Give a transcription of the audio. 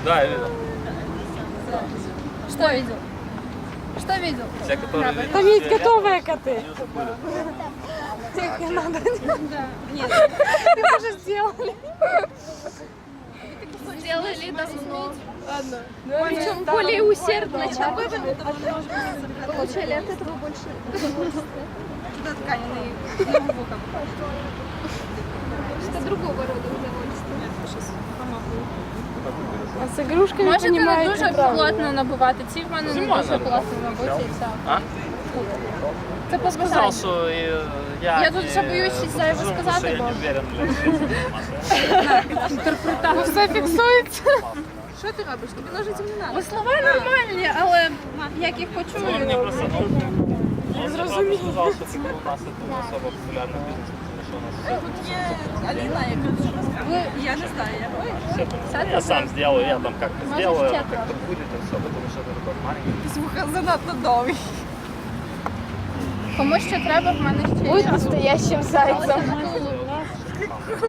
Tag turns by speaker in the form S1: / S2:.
S1: Да, я видел.
S2: Что видел? Что видел?
S1: Те, которые...
S3: Там есть готовые коты.
S1: Они уже были.
S3: Их не надо.
S2: Нет.
S3: Ты уже сделали.
S2: Сделали давно.
S3: Ладно.
S2: Причем более усердно, чем получали от этого больше удовольствия.
S3: Туда ткань
S2: Что другого рода удовольствия.
S3: А з ігрушками
S2: Можете не
S3: понімаєте
S2: дуже
S3: правильно.
S2: плотно набивати. Ці в мене не
S1: Зимою
S2: дуже
S1: надо.
S2: плотно набиті і все.
S1: А?
S2: Це по
S1: Сказал,
S2: бажанню.
S1: что я...
S2: Я тут вже боюсь щось зайве сказати,
S1: Я
S2: бо-
S1: не уверен,
S3: Ну все фіксується. Що ти робиш? Тобі ножиці не треба.
S2: Бо слова нормальні, але як їх
S1: Он мне
S2: почую.
S1: просто... Он мне сказал, что типа, у нас это не особо популярный бизнес, потому что у нас
S3: Тут є Аліна, яка я не знаю, я
S1: все... Я сам сделаю, я там как-то
S2: Можешь
S1: сделаю,
S2: чек.
S1: как-то будет и все, потому что это такой маленький.
S3: звука занадто довгий.
S2: Кому що треба, в мене ще
S3: Будь
S2: є.
S3: настоящим зайцем.
S1: Шампан.